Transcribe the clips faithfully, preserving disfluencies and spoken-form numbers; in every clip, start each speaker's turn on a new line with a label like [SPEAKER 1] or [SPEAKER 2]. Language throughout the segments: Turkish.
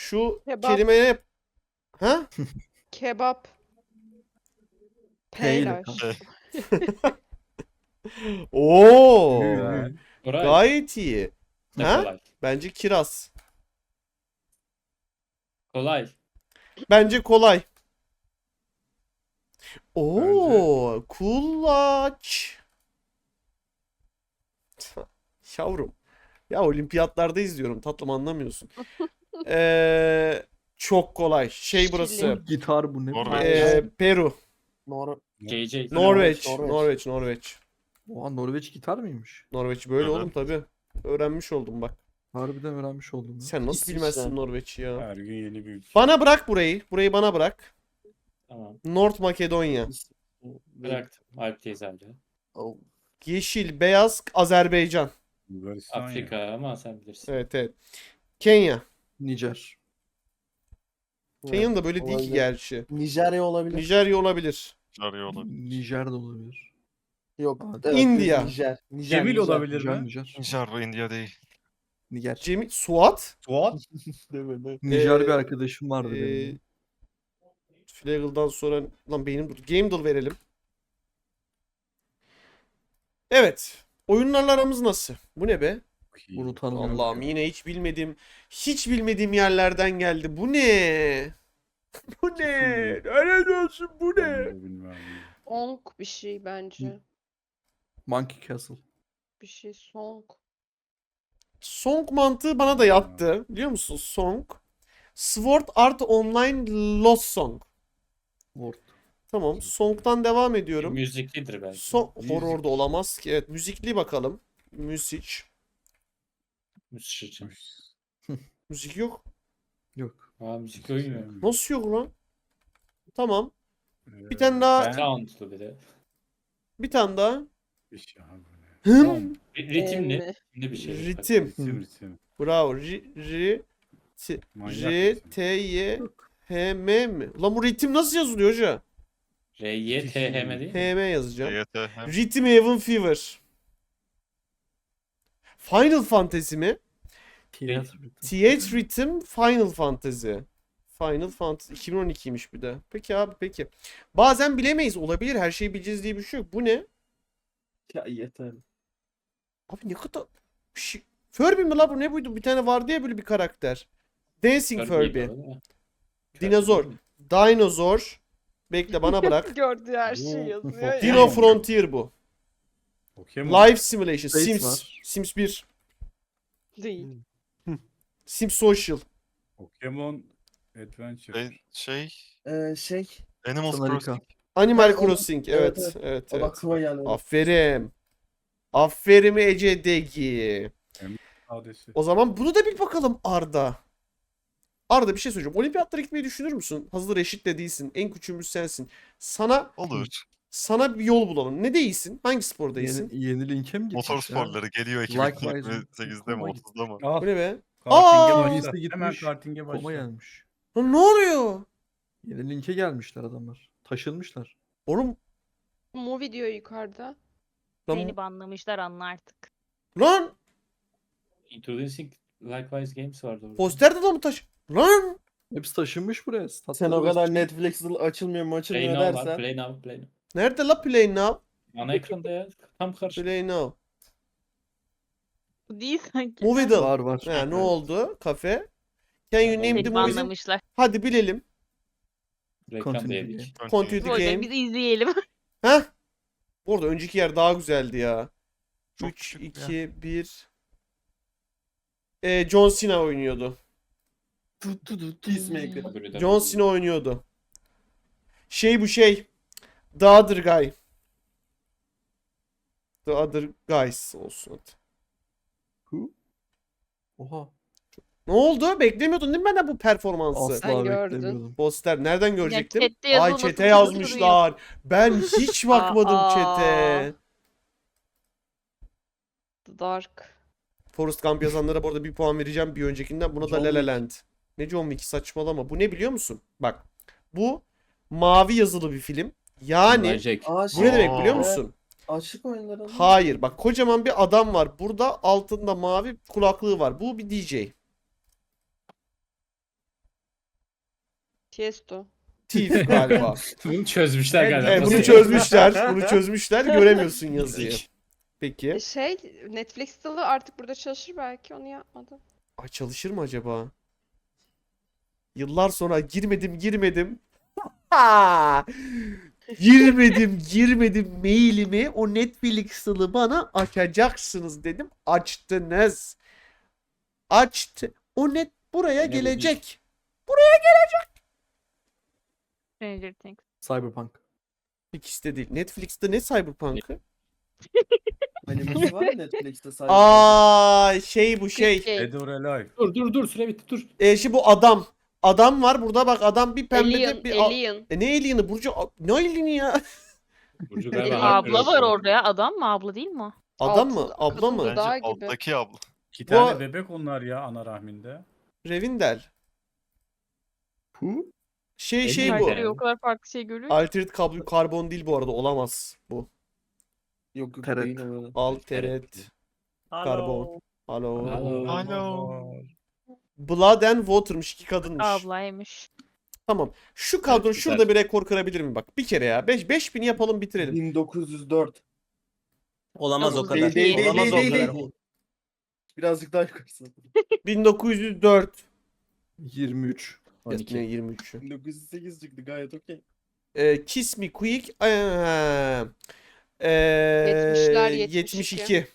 [SPEAKER 1] Şu
[SPEAKER 2] Kebap.
[SPEAKER 1] kelimeye... Ha?
[SPEAKER 2] Kebap.
[SPEAKER 3] P ile
[SPEAKER 2] Peylaş.
[SPEAKER 3] kanka.
[SPEAKER 1] Oo.
[SPEAKER 3] Güzel.
[SPEAKER 4] Koray.
[SPEAKER 1] Gayet iyi.
[SPEAKER 4] Ne
[SPEAKER 1] Ha?
[SPEAKER 4] kolay.
[SPEAKER 1] Bence kiraz.
[SPEAKER 4] Kolay.
[SPEAKER 1] Bence kolay. Oo, kulaç. Yavrum. Ya olimpiyatlarda izliyorum. Tatlım anlamıyorsun. Ee, çok kolay. Şey burası.
[SPEAKER 3] Gitar bu ne?
[SPEAKER 5] Norveç.
[SPEAKER 1] Ee, Peru.
[SPEAKER 5] Nor
[SPEAKER 4] J J.
[SPEAKER 1] Norveç.
[SPEAKER 5] Norveç.
[SPEAKER 1] Norveç. Norveç.
[SPEAKER 3] Oha, Norveç gitar mıymış?
[SPEAKER 1] Norveç böyle
[SPEAKER 5] Evet.
[SPEAKER 1] oğlum tabii. Öğrenmiş oldum bak.
[SPEAKER 3] Harbiden öğrenmiş oldum. ya.
[SPEAKER 1] Sen nasıl
[SPEAKER 5] İsviçre.
[SPEAKER 1] bilmezsin Norveç'i ya?
[SPEAKER 6] Her gün yeni bir ülke.
[SPEAKER 1] Bana bırak burayı. Burayı bana bırak.
[SPEAKER 4] Tamam.
[SPEAKER 1] North Makedonya.
[SPEAKER 4] Bıraktım. Alp teyze amca.
[SPEAKER 5] Oh.
[SPEAKER 1] Yeşil, beyaz, Azerbaycan.
[SPEAKER 6] Bulgaristan ya.
[SPEAKER 4] Afrika ama sen bilirsin.
[SPEAKER 1] Evet evet. Kenya.
[SPEAKER 3] Nijer.
[SPEAKER 1] Kenya'nın da böyle değil ki
[SPEAKER 5] Olabilir.
[SPEAKER 1] gerçi.
[SPEAKER 5] Nijerya olabilir.
[SPEAKER 1] Nijerya olabilir.
[SPEAKER 5] Nijerya olabilir.
[SPEAKER 3] Nijer de olabilir.
[SPEAKER 5] Yok.
[SPEAKER 3] Aa,
[SPEAKER 5] evet,
[SPEAKER 1] India.
[SPEAKER 5] Nijer. Nijer.
[SPEAKER 6] Cemil
[SPEAKER 5] Nijer.
[SPEAKER 6] olabilir
[SPEAKER 3] Nijer,
[SPEAKER 6] mi?
[SPEAKER 3] Nijer.
[SPEAKER 5] Nijer ve India değil.
[SPEAKER 3] Niger.
[SPEAKER 1] Cemil, Suat.
[SPEAKER 6] Suat.
[SPEAKER 5] Değil mi? Değil mi?
[SPEAKER 3] Nijer
[SPEAKER 1] Ee,
[SPEAKER 3] bir arkadaşım vardı
[SPEAKER 1] Ee,
[SPEAKER 3] benim.
[SPEAKER 1] Flaggle'dan sonra lan beynim dur. Game'dal verelim. Evet. Oyunlarla aramız nasıl? Bu ne be?
[SPEAKER 3] Bunu tanımıyorum.
[SPEAKER 1] Allah'ım yine hiç bilmediğim hiç bilmediğim yerlerden geldi. Bu ne? Bu ne? Öyle olsun bu ne?
[SPEAKER 6] Bilmem.
[SPEAKER 2] Song bir şey bence.
[SPEAKER 3] Monkey Castle.
[SPEAKER 2] Bir şey song.
[SPEAKER 1] Song mantığı bana da yattı. Biliyor musun? Song. Sword Art Online Lost Song.
[SPEAKER 3] Word.
[SPEAKER 1] Tamam. Song'dan devam ediyorum.
[SPEAKER 4] Müziklidir belki.
[SPEAKER 1] So
[SPEAKER 6] Müzik.
[SPEAKER 1] horror'da olamaz ki. Evet. Müzikli bakalım. Müzik.
[SPEAKER 4] Müzik.
[SPEAKER 1] Müzik yok.
[SPEAKER 3] Yok.
[SPEAKER 4] Aa müzik oyunu.
[SPEAKER 1] Nasıl yok lan? Tamam.
[SPEAKER 6] Ee,
[SPEAKER 1] Bir tane daha-
[SPEAKER 6] ben-
[SPEAKER 4] Soundlu bir de.
[SPEAKER 1] Bir tane daha.
[SPEAKER 6] Bir şey abi.
[SPEAKER 1] Hım.
[SPEAKER 4] Ritimli.
[SPEAKER 2] Emmi.
[SPEAKER 4] Ritimli bir şey.
[SPEAKER 1] Ritim.
[SPEAKER 6] Ritim ritim.
[SPEAKER 1] Bravo. R, R, T,
[SPEAKER 6] Manyak
[SPEAKER 1] R,
[SPEAKER 6] ritim.
[SPEAKER 1] T, Y, H, M mi? Lan bu ritim nasıl yazılıyor hoca?
[SPEAKER 4] R, Y, T, H M değil mi?
[SPEAKER 1] H, M yazacağım.
[SPEAKER 5] T Y T hem
[SPEAKER 1] Rhythm Heaven Fever. Final Fantasy mi?
[SPEAKER 3] Tiyatro.
[SPEAKER 1] Theatre Rhythm Final Fantasy. Final Fantasy iki bin on ikiymiş bir de. Peki abi peki. Bazen bilemeyiz. Olabilir. Her şeyi bileceğiz diye bir şey yok. Bu ne?
[SPEAKER 5] Ya yeter.
[SPEAKER 1] Abi ne kadar bir şey. Furby mi la bu? Ne buydu? Bir tane vardı ya böyle bir karakter. Dancing Furby. Dinozor. Dinozor. Bekle bana bırak.
[SPEAKER 2] Gördüğü her
[SPEAKER 6] Bu-
[SPEAKER 2] şeyi yazıyor ya.
[SPEAKER 1] Dino Frontier bu.
[SPEAKER 6] Pokemon.
[SPEAKER 1] Life Simulation.
[SPEAKER 3] Space
[SPEAKER 1] Sims.
[SPEAKER 3] var.
[SPEAKER 1] Sims bir.
[SPEAKER 2] Değil.
[SPEAKER 1] Sims Social.
[SPEAKER 6] Pokemon Adventure.
[SPEAKER 5] Ben şey
[SPEAKER 7] Ee, şey,
[SPEAKER 5] Animal
[SPEAKER 3] Sanarika.
[SPEAKER 5] Crossing.
[SPEAKER 1] Animal
[SPEAKER 7] Ben onu-
[SPEAKER 1] Crossing. Evet.
[SPEAKER 7] evet,
[SPEAKER 1] Evet. Evet.
[SPEAKER 7] o da aklıma geldi.
[SPEAKER 1] Aferin. Aferin Ece Degi.
[SPEAKER 6] Adesi.
[SPEAKER 1] O zaman bunu da bil bakalım Arda. Arda bir şey söyleyeceğim. Olimpiyatlara gitmeyi düşünür müsün? Hazır eşit de değilsin. En küçüğümüz sensin. Sana
[SPEAKER 5] Olur.
[SPEAKER 1] sana bir yol bulalım. Ne değilsin? Hangi spor değilsin?
[SPEAKER 3] Yeni, yeni linke mi gidecek
[SPEAKER 5] Motor
[SPEAKER 3] ya?
[SPEAKER 5] sporları geliyor
[SPEAKER 3] Likewise.
[SPEAKER 5] iki bin yirmi sekizde mi
[SPEAKER 3] Koma
[SPEAKER 5] otuzda mı?
[SPEAKER 6] Al.
[SPEAKER 1] Bu ne be?
[SPEAKER 6] Karting'e
[SPEAKER 1] Aa!
[SPEAKER 6] başla.
[SPEAKER 3] Birisi
[SPEAKER 6] Hemen
[SPEAKER 3] gitmiş.
[SPEAKER 6] karting'e başla.
[SPEAKER 3] Koma gelmiş.
[SPEAKER 1] Lan ne oluyor?
[SPEAKER 3] Yeni linke gelmişler adamlar. Taşınmışlar.
[SPEAKER 1] Oğlum
[SPEAKER 2] Movie diyor yukarıda.
[SPEAKER 1] lan,
[SPEAKER 8] Seni banlamışlar anla artık.
[SPEAKER 1] lan
[SPEAKER 4] Introducing Likewise Games vardı orada.
[SPEAKER 1] posterde de mı taş? Lan
[SPEAKER 3] Hepsi taşınmış buraya.
[SPEAKER 7] Sen
[SPEAKER 3] Statları
[SPEAKER 7] o kadar
[SPEAKER 3] basmış.
[SPEAKER 7] Netflix açılmıyor mu
[SPEAKER 4] Play
[SPEAKER 7] açılmıyor
[SPEAKER 4] Now var.
[SPEAKER 7] dersen.
[SPEAKER 4] Play Now. Play Now.
[SPEAKER 1] nerede la Play Now?
[SPEAKER 4] Ana ekranda ya. Tam karşı.
[SPEAKER 1] Play Now.
[SPEAKER 8] Bu değil sanki.
[SPEAKER 1] Moviedale.
[SPEAKER 3] Var var.
[SPEAKER 1] Ha, ne oldu? Kafe. Can you name the
[SPEAKER 8] Seni
[SPEAKER 1] movies?
[SPEAKER 8] banlamışlar.
[SPEAKER 1] Hadi bilelim.
[SPEAKER 4] Reklam
[SPEAKER 3] Continue
[SPEAKER 4] diyedik.
[SPEAKER 1] Continue the
[SPEAKER 8] Bu yüzden
[SPEAKER 1] game.
[SPEAKER 8] biz izleyelim.
[SPEAKER 1] Heh. Bu arada önceki yer daha güzeldi ya.
[SPEAKER 5] Çok
[SPEAKER 1] üç,
[SPEAKER 5] küçük ya.
[SPEAKER 1] iki, bir. Ee, John Cena oynuyordu.
[SPEAKER 3] Tu, tu, tu, tu.
[SPEAKER 7] Peacemaker.
[SPEAKER 4] Öbürü de-
[SPEAKER 1] John Cena oynuyordu. Şey bu şey. The Other Guy. The Other Guys olsun hadi.
[SPEAKER 3] Who? Oha.
[SPEAKER 1] Ne oldu? Beklemiyordun değil mi benden bu performansı?
[SPEAKER 3] Asla
[SPEAKER 2] Ben gördüm.
[SPEAKER 3] beklemiyordum.
[SPEAKER 1] Poster nereden görecektim?
[SPEAKER 8] chatte
[SPEAKER 1] Ay
[SPEAKER 8] yazılması
[SPEAKER 1] chat'e
[SPEAKER 8] çok
[SPEAKER 1] yazmışlar. Ben hiç bakmadım
[SPEAKER 2] Aa.
[SPEAKER 1] chat'e.
[SPEAKER 2] The Dark.
[SPEAKER 1] Forrest Gump yazanlara bu arada bir puan vereceğim bir öncekinden. Buna da
[SPEAKER 7] John
[SPEAKER 1] La La
[SPEAKER 7] Wick.
[SPEAKER 1] Land. Ne John Wick saçmalama. Bu ne biliyor musun? Bak. Bu mavi yazılı bir film. Yani
[SPEAKER 4] Jack.
[SPEAKER 7] Aa,
[SPEAKER 1] bu ne demek
[SPEAKER 5] Aa.
[SPEAKER 1] biliyor musun?
[SPEAKER 7] Açlık oyunları.
[SPEAKER 1] Hayır. Bak kocaman bir adam var. Burada altında mavi kulaklığı var. Bu bir D J.
[SPEAKER 2] Tiesto.
[SPEAKER 1] Thief galiba.
[SPEAKER 4] Bunu çözmüşler
[SPEAKER 2] Evet,
[SPEAKER 4] galiba.
[SPEAKER 1] Evet, bunu
[SPEAKER 4] Nasıl-
[SPEAKER 1] çözmüşler. Bunu çözmüşler. Göremiyorsun yazıyı.
[SPEAKER 2] E
[SPEAKER 1] Peki.
[SPEAKER 2] şey Netflix'te de artık burada çalışır belki onu yapmadım.
[SPEAKER 1] Ay çalışır mı acaba? Yıllar sonra girmedim girmedim. Ha! Girmedim girmedim mailimi o Netflix'lı bana açacaksınız dedim. Açtınız. Açtı. O net buraya
[SPEAKER 4] Ne bu
[SPEAKER 1] gelecek.
[SPEAKER 8] Stranger Things.
[SPEAKER 3] Cyberpunk.
[SPEAKER 1] İkisi de değil. Netflix'te ne Cyberpunk'ı?
[SPEAKER 7] Animesi var ya Netflix'te sadece.
[SPEAKER 1] Aa şey bu şey.
[SPEAKER 2] Şey,
[SPEAKER 6] Dead or Alive.
[SPEAKER 4] Dur dur dur süre bitti dur.
[SPEAKER 1] E, şimdi bu adam. Adam var burada bak adam bir pembe
[SPEAKER 2] Alien,
[SPEAKER 1] bir...
[SPEAKER 2] Alien.
[SPEAKER 1] E, ne alien'ı Burcu? A- Ne alien'i ya?
[SPEAKER 4] Burcu
[SPEAKER 2] Elin
[SPEAKER 4] galiba
[SPEAKER 8] Abla
[SPEAKER 4] haklı.
[SPEAKER 8] var orada ya. Adam mı abla değil mi o?
[SPEAKER 1] Adam
[SPEAKER 2] Altı-
[SPEAKER 1] mı? Abla mı?
[SPEAKER 2] kadın
[SPEAKER 5] Bence
[SPEAKER 2] Dağ gibi.
[SPEAKER 5] alttaki abla.
[SPEAKER 6] İki
[SPEAKER 1] Bu-
[SPEAKER 6] tane bebek onlar ya ana rahminde.
[SPEAKER 1] Revindel.
[SPEAKER 3] Hu?
[SPEAKER 1] Şey şey
[SPEAKER 4] Elin
[SPEAKER 1] bu.
[SPEAKER 4] nerede?
[SPEAKER 8] Herkes o kadar farklı şey görüyor. ki.
[SPEAKER 1] Altered kablo karbon değil bu arada olamaz bu.
[SPEAKER 7] Yok yok
[SPEAKER 3] Teret.
[SPEAKER 7] değil o.
[SPEAKER 1] Altered karbon. Alo.
[SPEAKER 4] Alo.
[SPEAKER 5] Alo.
[SPEAKER 1] Blood and Water'mış iki kadınmış.
[SPEAKER 8] Ablaymış.
[SPEAKER 1] Tamam. Şu kadro
[SPEAKER 4] Evet,
[SPEAKER 1] şurada bir rekor kırabilir mi bak? Bir kere ya. beş beş bin yapalım bitirelim.
[SPEAKER 7] bin dokuz yüz dört.
[SPEAKER 9] Olamaz o
[SPEAKER 8] Değil,
[SPEAKER 9] kadar.
[SPEAKER 7] değil, değil,
[SPEAKER 9] Olamaz
[SPEAKER 7] değil,
[SPEAKER 9] o
[SPEAKER 7] değil,
[SPEAKER 9] kadar.
[SPEAKER 7] değil. Birazcık daha yukarısı.
[SPEAKER 1] bin dokuz yüz dört.
[SPEAKER 3] yirmi üç.
[SPEAKER 1] Ne
[SPEAKER 4] on iki.
[SPEAKER 1] yirmi üçü.
[SPEAKER 7] bin dokuz yüz sekiz çıktı gayet okey.
[SPEAKER 1] Ee, Kiss Me Quick. Ee, ee,
[SPEAKER 2] Yetmişler, yetmiş
[SPEAKER 1] yetmiş iki.
[SPEAKER 2] iki.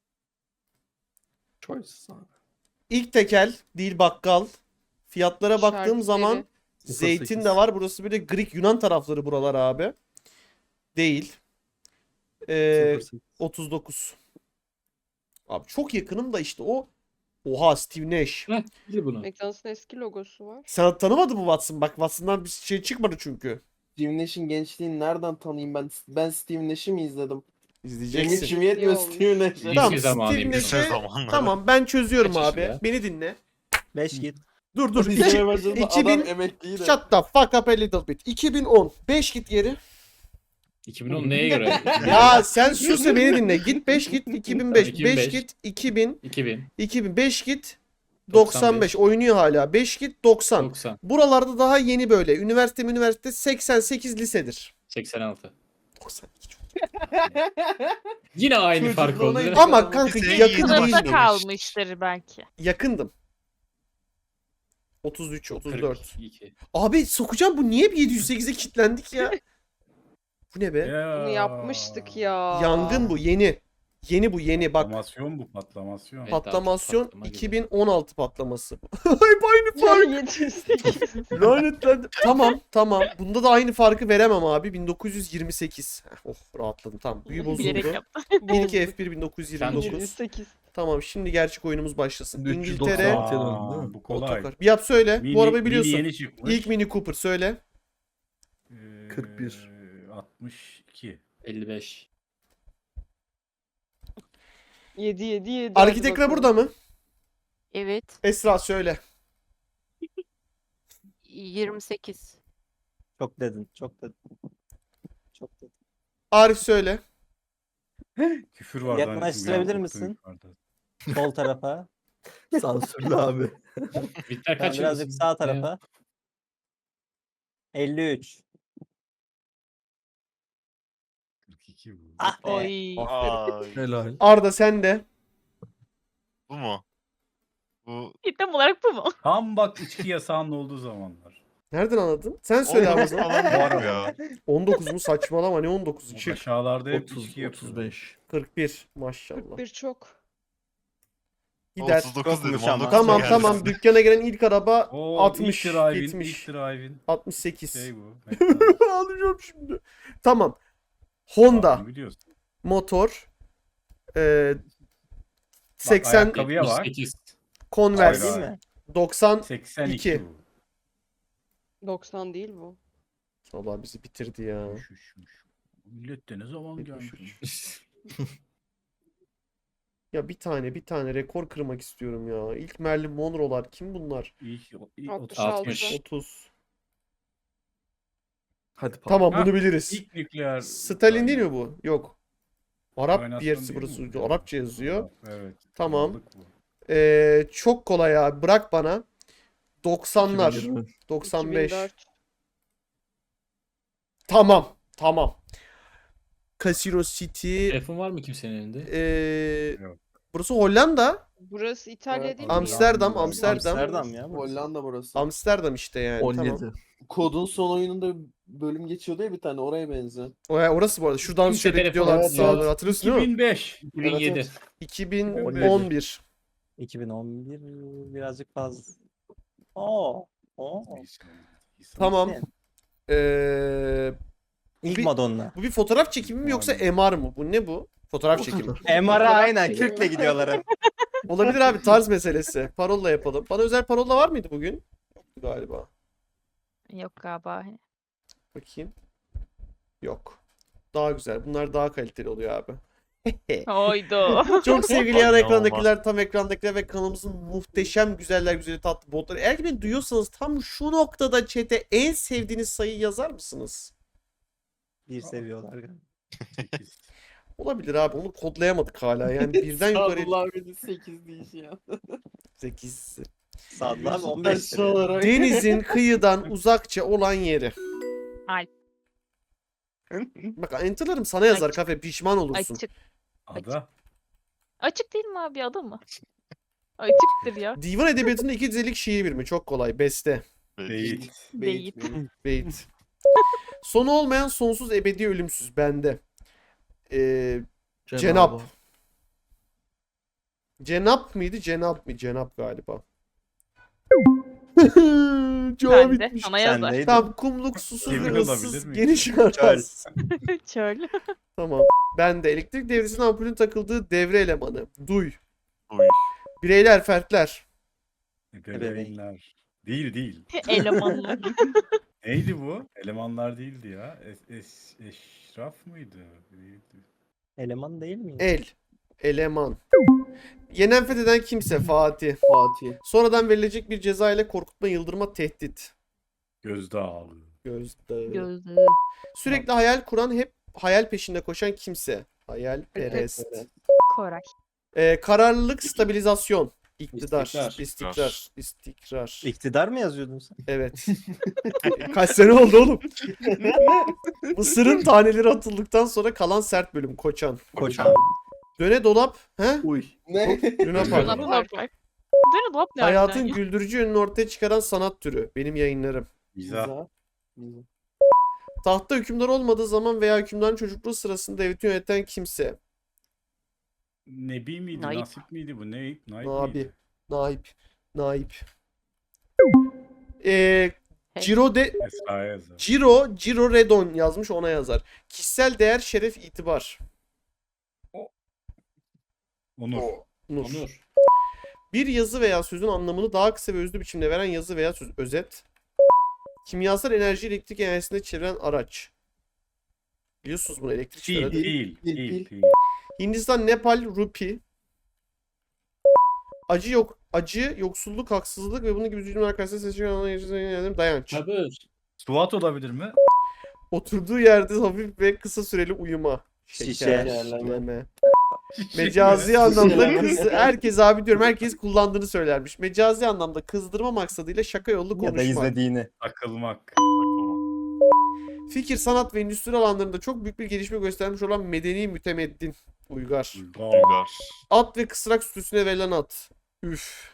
[SPEAKER 3] Choices abi.
[SPEAKER 1] İlk tekel değil bakkal. Fiyatlara baktığım
[SPEAKER 2] Şarküteri.
[SPEAKER 1] zaman
[SPEAKER 3] Sıfır
[SPEAKER 1] zeytin
[SPEAKER 3] sekiz.
[SPEAKER 1] de var. Burası böyle Greek Yunan tarafları buralar abi. Değil. Ee,
[SPEAKER 3] sıfır sekiz.
[SPEAKER 1] otuz dokuz. Abi çok yakınım da işte o. Oha Steve Nash.
[SPEAKER 4] Heh, bil bunu.
[SPEAKER 2] McDonald's'ın eski logosu var.
[SPEAKER 1] Sen tanımadın mı Watson? Bak Watson'dan bir şey çıkmadı çünkü.
[SPEAKER 7] Steve Nash'in gençliğini nereden tanıyayım ben? Ben Steve Nash'i mi izledim?
[SPEAKER 1] İzleyeceksin.
[SPEAKER 7] Gençliğim yetmiyor
[SPEAKER 2] İyi olmuş.
[SPEAKER 7] Steve Nash'e.
[SPEAKER 1] Tamam
[SPEAKER 4] Lise zamanıymış.
[SPEAKER 1] Steve
[SPEAKER 5] Lise
[SPEAKER 1] Nash'e
[SPEAKER 5] zamanları.
[SPEAKER 1] tamam ben çözüyorum
[SPEAKER 4] Kaç
[SPEAKER 1] abi.
[SPEAKER 4] yaşında?
[SPEAKER 1] Beni dinle.
[SPEAKER 9] beş git.
[SPEAKER 1] Dur dur.
[SPEAKER 7] İzlemeye
[SPEAKER 1] İki,
[SPEAKER 7] başladı
[SPEAKER 1] iki
[SPEAKER 7] adam
[SPEAKER 1] bin-
[SPEAKER 7] emekliydi.
[SPEAKER 1] shut the fuck up a little bit. iki bin on. beş git geri.
[SPEAKER 4] iki bin on neye göre?
[SPEAKER 1] Ya sen sus da beni dinle. Git beş git iki bin beş.
[SPEAKER 4] iki bin beş.
[SPEAKER 1] beş git iki bin.
[SPEAKER 4] iki bin.
[SPEAKER 1] iki bin beş git doksan beş. Oynuyor hala. beş git doksan.
[SPEAKER 4] doksan.
[SPEAKER 1] Buralarda daha yeni böyle. Üniversite üniversite seksen sekiz lisedir.
[SPEAKER 4] seksen altı.
[SPEAKER 1] doksan iki çok.
[SPEAKER 4] Yine aynı
[SPEAKER 7] Çocuk
[SPEAKER 4] fark
[SPEAKER 7] ona
[SPEAKER 4] oldu.
[SPEAKER 7] gidiyor.
[SPEAKER 1] Ama kanka
[SPEAKER 5] Lise
[SPEAKER 1] yakın
[SPEAKER 5] yedi
[SPEAKER 1] değil
[SPEAKER 8] Sınıfta
[SPEAKER 1] mi?
[SPEAKER 8] kalmıştır belki.
[SPEAKER 1] Yakındım. otuz üç otuz dört.
[SPEAKER 4] kırk iki.
[SPEAKER 1] Abi sokacağım bu niye yedi yüz sekize kilitlendik ya? Bu ne be?
[SPEAKER 6] Ya.
[SPEAKER 2] Bunu yapmıştık ya.
[SPEAKER 1] Yangın bu yeni. Yeni bu yeni bak.
[SPEAKER 6] Patlamasyon bu patlamasyon.
[SPEAKER 4] Evet.
[SPEAKER 1] Patlamasyon
[SPEAKER 4] patlama gibi.
[SPEAKER 1] iki bin on altı patlaması. Hep aynı fark.
[SPEAKER 2] Ya yedi yüz sekiz.
[SPEAKER 1] Lanetlendim. Tamam tamam. Bunda da aynı farkı veremem abi. bin dokuz yüz yirmi sekiz. Heh, oh rahatladım tamam. Büyü
[SPEAKER 8] Bilerek
[SPEAKER 1] bozuldu.
[SPEAKER 8] yaptım.
[SPEAKER 1] bir iki F bir bin dokuz yüz yirmi
[SPEAKER 4] Bence-
[SPEAKER 2] yedi yüz
[SPEAKER 1] dokuz.
[SPEAKER 2] sekiz.
[SPEAKER 1] Tamam şimdi gerçek oyunumuz başlasın.
[SPEAKER 3] Şimdi üç yüz
[SPEAKER 1] İngiltere
[SPEAKER 3] doksan altı. döndü, değil mi?
[SPEAKER 6] bu kolay.
[SPEAKER 1] otokar. Bir yap söyle.
[SPEAKER 6] Mini-
[SPEAKER 1] Bu arabayı
[SPEAKER 6] Mini
[SPEAKER 1] biliyorsun.
[SPEAKER 6] yeni çıkmış.
[SPEAKER 1] İlk Mini Cooper söyle.
[SPEAKER 6] Ee,
[SPEAKER 3] kırk bir.
[SPEAKER 6] altmış iki.
[SPEAKER 4] elli beş.
[SPEAKER 2] yedi yedi yedi.
[SPEAKER 1] Arkitekra burada mı?
[SPEAKER 8] Evet.
[SPEAKER 1] Esra söyle.
[SPEAKER 8] yirmi sekiz.
[SPEAKER 9] Çok dedin. Çok dedin. Çok dedin.
[SPEAKER 1] Arif söyle.
[SPEAKER 6] Küfür var.
[SPEAKER 9] Yaklaştırabilir
[SPEAKER 6] zannettim,
[SPEAKER 9] misin?
[SPEAKER 6] yukarıda.
[SPEAKER 9] Sol tarafa.
[SPEAKER 3] Sansürlü abi.
[SPEAKER 4] Bitter
[SPEAKER 9] Ben
[SPEAKER 4] kaç
[SPEAKER 9] birazcık
[SPEAKER 4] yılısın?
[SPEAKER 9] sağ tarafa. elli üç.
[SPEAKER 6] kırk iki bu.
[SPEAKER 9] Ah be.
[SPEAKER 8] Oy.
[SPEAKER 5] Ay,
[SPEAKER 3] Helal.
[SPEAKER 1] Arda sen de.
[SPEAKER 5] bu mu? Bu
[SPEAKER 8] Tam olarak bu mu?
[SPEAKER 6] Tam bak içki yasağının olduğu zamanlar.
[SPEAKER 1] Nereden anladın? Sen söyle abi o zaman.
[SPEAKER 5] falan var ya.
[SPEAKER 1] on dokuz mu saçmalama ne on dokuzu
[SPEAKER 6] O
[SPEAKER 1] çık.
[SPEAKER 6] aşağılarda hep
[SPEAKER 3] otuz
[SPEAKER 6] içki
[SPEAKER 3] otuz
[SPEAKER 6] yapıyorlar.
[SPEAKER 3] beş.
[SPEAKER 1] kırk bir maşallah.
[SPEAKER 2] Bir çok.
[SPEAKER 1] Gider.
[SPEAKER 5] otuz dokuz dedim.
[SPEAKER 9] Çokmuş ama.
[SPEAKER 5] on dokuz
[SPEAKER 1] Tamam
[SPEAKER 5] geldi.
[SPEAKER 1] tamam dükkana gelen ilk araba
[SPEAKER 6] Oo,
[SPEAKER 1] altmış,
[SPEAKER 6] ilk drive'in,
[SPEAKER 1] yetmiş.
[SPEAKER 6] ilk drive'in
[SPEAKER 1] altmış sekiz.
[SPEAKER 6] şey bu.
[SPEAKER 1] Alacağım şimdi. Tamam. Honda
[SPEAKER 6] Bunu biliyorsun.
[SPEAKER 1] motor e, seksen
[SPEAKER 6] ayakkabıya bak.
[SPEAKER 4] yetmiş sekiz.
[SPEAKER 1] Converse
[SPEAKER 6] Hayır,
[SPEAKER 9] Değil mi?
[SPEAKER 1] doksan.
[SPEAKER 6] seksen iki
[SPEAKER 1] iki.
[SPEAKER 6] bu.
[SPEAKER 2] doksan değil bu.
[SPEAKER 1] Allah bizi bitirdi ya.
[SPEAKER 6] Üş, üş, üş. Millet de ne zaman
[SPEAKER 1] yetmiş
[SPEAKER 6] gelmiş?
[SPEAKER 1] üç. Ya bir tane bir tane rekor kırmak istiyorum ya. İlk Marilyn Monroe'lar kim bunlar?
[SPEAKER 6] İlk, ilk
[SPEAKER 2] altmış
[SPEAKER 6] otuz-
[SPEAKER 2] altı.
[SPEAKER 4] altmış.
[SPEAKER 1] otuz.
[SPEAKER 3] Hadi pardon.
[SPEAKER 1] Tamam
[SPEAKER 6] Ha,
[SPEAKER 1] bunu biliriz.
[SPEAKER 6] İlk nükleer.
[SPEAKER 1] Stalin değil mi bu? Yok. Arap bir
[SPEAKER 6] Oynasın
[SPEAKER 1] yerisi
[SPEAKER 6] değil
[SPEAKER 1] burası.
[SPEAKER 6] mi bu?
[SPEAKER 1] Arapça yazıyor.
[SPEAKER 6] Evet.
[SPEAKER 1] Tamam.
[SPEAKER 6] Aldık bu.
[SPEAKER 1] Ee, çok kolay abi. Bırak bana. doksanlar.
[SPEAKER 3] iki bin yirmi.
[SPEAKER 1] doksan beş.
[SPEAKER 2] iki bin dört.
[SPEAKER 1] Tamam. Tamam. Casino City.
[SPEAKER 4] Telefon var mı kimsenin elinde?
[SPEAKER 1] Eee
[SPEAKER 6] Yok.
[SPEAKER 1] burası Hollanda.
[SPEAKER 2] Burası İtalya
[SPEAKER 7] Evet,
[SPEAKER 2] değil mi?
[SPEAKER 1] Amsterdam,
[SPEAKER 7] ya?
[SPEAKER 1] Amsterdam.
[SPEAKER 9] Amsterdam ya. burası.
[SPEAKER 7] Hollanda burası.
[SPEAKER 1] Amsterdam işte yani.
[SPEAKER 3] on yedi.
[SPEAKER 1] Tamam.
[SPEAKER 7] Kodun son oyununda bölüm geçiyordu ya bir tane oraya benziyor.
[SPEAKER 1] O, orası bu arada. Şuradan
[SPEAKER 4] Kimse
[SPEAKER 1] şöyle
[SPEAKER 4] telefon
[SPEAKER 1] gidiyorlardı
[SPEAKER 7] evet,
[SPEAKER 1] sağa
[SPEAKER 7] evet.
[SPEAKER 1] doğru. Hatırlıyorsun değil mi?
[SPEAKER 6] iki bin beş.
[SPEAKER 4] iki bin yedi.
[SPEAKER 7] Evet,
[SPEAKER 1] iki bin on bir.
[SPEAKER 9] iki bin on bir birazcık fazla. Oo. Oo.
[SPEAKER 1] Tamam.
[SPEAKER 9] Sen.
[SPEAKER 1] Eee
[SPEAKER 9] İlk
[SPEAKER 1] Bir-
[SPEAKER 9] Madonna.
[SPEAKER 1] bu bir fotoğraf çekimi mi yoksa M R mı? Bu ne bu? Fotoğraf çekimi.
[SPEAKER 9] M R'a aynen kürkle gidiyorlar hep.
[SPEAKER 1] Olabilir abi, tarz meselesi. Parolla yapalım. Bana özel parolla var mıydı bugün? Yoktu galiba.
[SPEAKER 8] Yok galiba.
[SPEAKER 1] Bakayım. Yok. Daha güzel. Bunlar daha kaliteli oluyor abi.
[SPEAKER 8] Oydu.
[SPEAKER 1] Çok sevgili yan
[SPEAKER 5] Ay,
[SPEAKER 1] ekrandakiler, tam ekrandakiler ve kanalımızın muhteşem güzeller güzeli tatlı botları. Eğer ki beni duyuyorsanız tam şu noktada chat'e en sevdiğiniz sayıyı yazar mısınız?
[SPEAKER 9] Bir seviyorlar galiba.
[SPEAKER 1] Olabilir abi, onu kodlayamadık hala. Yani birden yukarı
[SPEAKER 7] Sadullah abinin sekiz deyişi ya.
[SPEAKER 1] sekiz.
[SPEAKER 9] Sadlı abi on beş
[SPEAKER 7] Aşağı
[SPEAKER 9] seviyor.
[SPEAKER 7] olarak.
[SPEAKER 1] Denizin kıyıdan uzakça olan yeri.
[SPEAKER 8] Alp.
[SPEAKER 1] Bak enter'larım sana yazar
[SPEAKER 8] Açık.
[SPEAKER 1] kafe, pişman olursun.
[SPEAKER 8] Açık.
[SPEAKER 6] Ada.
[SPEAKER 8] Açık değil mi abi adı mı? Açıktır ya.
[SPEAKER 1] Divan edebiyatında iki dizelik şiir birimi. Çok kolay. Beste.
[SPEAKER 6] Değil.
[SPEAKER 8] Değil.
[SPEAKER 1] Beyt. Sonu olmayan sonsuz ebedi ölümsüz bende. Ee, Cenap. Cenap mıydı? Cenap mı? Cenap galiba. Cevap
[SPEAKER 8] Ben de.
[SPEAKER 1] bitmiş.
[SPEAKER 8] Sana yazar.
[SPEAKER 9] Sendeydi.
[SPEAKER 1] Tamam, kumluk susuz
[SPEAKER 6] Yemin
[SPEAKER 1] ve
[SPEAKER 6] olabilir
[SPEAKER 1] ıssız
[SPEAKER 6] mi?
[SPEAKER 1] geniş araz.
[SPEAKER 8] Çöl.
[SPEAKER 1] Tamam. Ben de elektrik devresinin ampulün takıldığı devre elemanı. Duy.
[SPEAKER 5] Duy.
[SPEAKER 1] Bireyler, fertler.
[SPEAKER 6] Ebeveynler. Değil değil.
[SPEAKER 8] Elemanlar.
[SPEAKER 6] Neydi bu? Elemanlar değildi ya. Es, es, eşraf mıydı? Değildi.
[SPEAKER 9] Eleman değil mi?
[SPEAKER 1] El. Eleman. Yenen fetheden kimse Fatih.
[SPEAKER 7] Fatih.
[SPEAKER 1] Sonradan verilecek bir ceza ile korkutma, yıldırma, tehdit.
[SPEAKER 6] Gözdağı.
[SPEAKER 1] Gözde.
[SPEAKER 8] Gözlüğü.
[SPEAKER 1] Sürekli hayal kuran, hep hayal peşinde koşan kimse. Hayalperest.
[SPEAKER 8] Koray.
[SPEAKER 1] Ee, kararlılık, stabilizasyon. İktidar.
[SPEAKER 4] İstikrar.
[SPEAKER 1] İstikrar. İstikrar.
[SPEAKER 9] İktidar mı yazıyordun sen?
[SPEAKER 1] Evet. Kaç sene oldu oğlum? Mısırın taneleri atıldıktan sonra kalan sert bölüm. Koçan.
[SPEAKER 9] Koçan.
[SPEAKER 1] Döne dolap. He?
[SPEAKER 3] Uy.
[SPEAKER 7] Ne?
[SPEAKER 1] Luna Park.
[SPEAKER 8] Dolap Park. Dönü dolap ne
[SPEAKER 1] Hayatın
[SPEAKER 8] harbiden ya?
[SPEAKER 1] güldürücü yönünü ortaya çıkaran sanat türü. Benim yayınlarım.
[SPEAKER 6] Mizah.
[SPEAKER 7] Mizah. Mizah.
[SPEAKER 1] Tahtta hükümdar olmadığı zaman veya hükümdarın çocukluğu sırasında devleti yöneten kimse.
[SPEAKER 6] Nebi miydi?
[SPEAKER 8] Naip.
[SPEAKER 6] Nasip miydi bu? Ne? Naip
[SPEAKER 1] Nabi.
[SPEAKER 6] miydi?
[SPEAKER 1] Naip. Naip. Ee,
[SPEAKER 8] Hey.
[SPEAKER 1] Ciro de
[SPEAKER 6] Esra'ya yazar.
[SPEAKER 1] Ciro, Ciro Redon yazmış, ona yazar. Kişisel değer, şeref, itibar.
[SPEAKER 6] Onur.
[SPEAKER 1] Nur.
[SPEAKER 4] Onur.
[SPEAKER 1] Bir yazı veya sözün anlamını daha kısa ve özlü biçimde veren yazı veya söz. Özet. Kimyasal enerji elektrik enerjisinde çeviren araç. Biliyorsunuz bunu, elektrik
[SPEAKER 6] Değil,
[SPEAKER 1] çevren-
[SPEAKER 6] değil,
[SPEAKER 7] Değil,
[SPEAKER 6] değil,
[SPEAKER 7] değil.
[SPEAKER 6] değil.
[SPEAKER 1] Hindistan, Nepal, Rupi. Acı yok, acı, yoksulluk, haksızlık ve bunun gibi cümleler karşısında seçilen dayanç.
[SPEAKER 4] Sabır.
[SPEAKER 6] Suat olabilir mi?
[SPEAKER 1] Oturduğu yerde hafif ve kısa süreli uyuma.
[SPEAKER 9] Şişe.
[SPEAKER 1] Şekerleme. Mecazi anlamda kız, herkes abi diyorum, herkes kullandığını söylermiş. Mecazi anlamda kızdırma maksadıyla şaka yollu
[SPEAKER 9] Ya da
[SPEAKER 1] konuşma.
[SPEAKER 9] izlediğini.
[SPEAKER 6] Takılmak.
[SPEAKER 5] Takılma.
[SPEAKER 1] Fikir, sanat ve endüstri alanlarında çok büyük bir gelişme göstermiş olan medeni mütemeddin. Uygar.
[SPEAKER 6] Uygar.
[SPEAKER 5] Uygar.
[SPEAKER 1] At ve kısrak sütüsüne verilen at. Üf.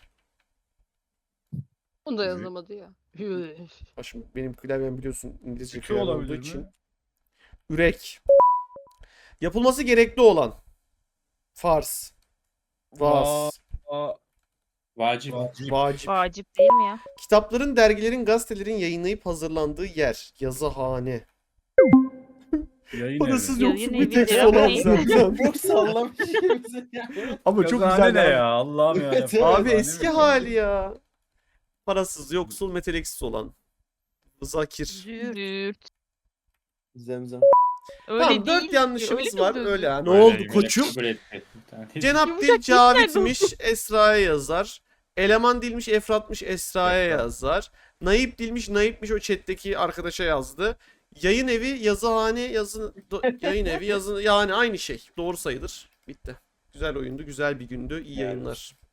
[SPEAKER 2] Onu da yazamadı ya.
[SPEAKER 1] Ha şimdi benim klavyem biliyorsun İngilizce
[SPEAKER 6] Kötü
[SPEAKER 1] klavye olduğu
[SPEAKER 6] olabilir
[SPEAKER 1] için.
[SPEAKER 6] mi?
[SPEAKER 1] Ürek. Yapılması gerekli olan. Farz. Vaz.
[SPEAKER 6] Aa,
[SPEAKER 4] Vacip.
[SPEAKER 6] vacip.
[SPEAKER 1] Vacip.
[SPEAKER 8] Vacip değil mi ya?
[SPEAKER 1] Kitapların, dergilerin, gazetelerin yayınlayıp hazırlandığı yer. Yazıhane.
[SPEAKER 6] Yayın
[SPEAKER 1] Parasız
[SPEAKER 6] evi.
[SPEAKER 1] yoksul
[SPEAKER 8] Yayın
[SPEAKER 1] bir tek
[SPEAKER 8] evi
[SPEAKER 1] olan
[SPEAKER 8] değil.
[SPEAKER 1] zaten.
[SPEAKER 7] Çok sallamış kimse ya.
[SPEAKER 1] Ama çok
[SPEAKER 6] Yazıhane
[SPEAKER 1] güzel
[SPEAKER 6] ne
[SPEAKER 1] abi.
[SPEAKER 6] ya? Allah'ım ya.
[SPEAKER 7] Evet,
[SPEAKER 1] Abi
[SPEAKER 6] Yazıhane
[SPEAKER 1] eski
[SPEAKER 6] mi?
[SPEAKER 1] hali ya. Parasız, yoksul, meteliksiz olan. Zakir.
[SPEAKER 8] Züğürt.
[SPEAKER 7] Zemzem.
[SPEAKER 8] Öyle
[SPEAKER 1] Tamam, dört
[SPEAKER 8] değil.
[SPEAKER 1] yanlışımız
[SPEAKER 8] Öyle
[SPEAKER 1] var.
[SPEAKER 8] değil.
[SPEAKER 1] Öyle ha. Ne
[SPEAKER 5] Öyle
[SPEAKER 1] oldu
[SPEAKER 5] değil.
[SPEAKER 1] koçum?
[SPEAKER 4] Kabul etti. Bir tane.
[SPEAKER 1] Cenap
[SPEAKER 8] Yumuşak
[SPEAKER 1] dil
[SPEAKER 8] diller
[SPEAKER 1] Cavit'miş, Esra'ya yazar. Eleman dilmiş, Efrat'mış, Esra'ya
[SPEAKER 6] Efrat.
[SPEAKER 1] yazar. Naip dilmiş, Naip'miş, o chat'teki arkadaşa yazdı. Yayın evi, yazıhane, yazı, do- yayın evi, yazı, yani aynı şey. Doğru sayılır. Bitti. Güzel oyundu, güzel bir gündü. İyi
[SPEAKER 9] Yani.
[SPEAKER 1] yayınlar.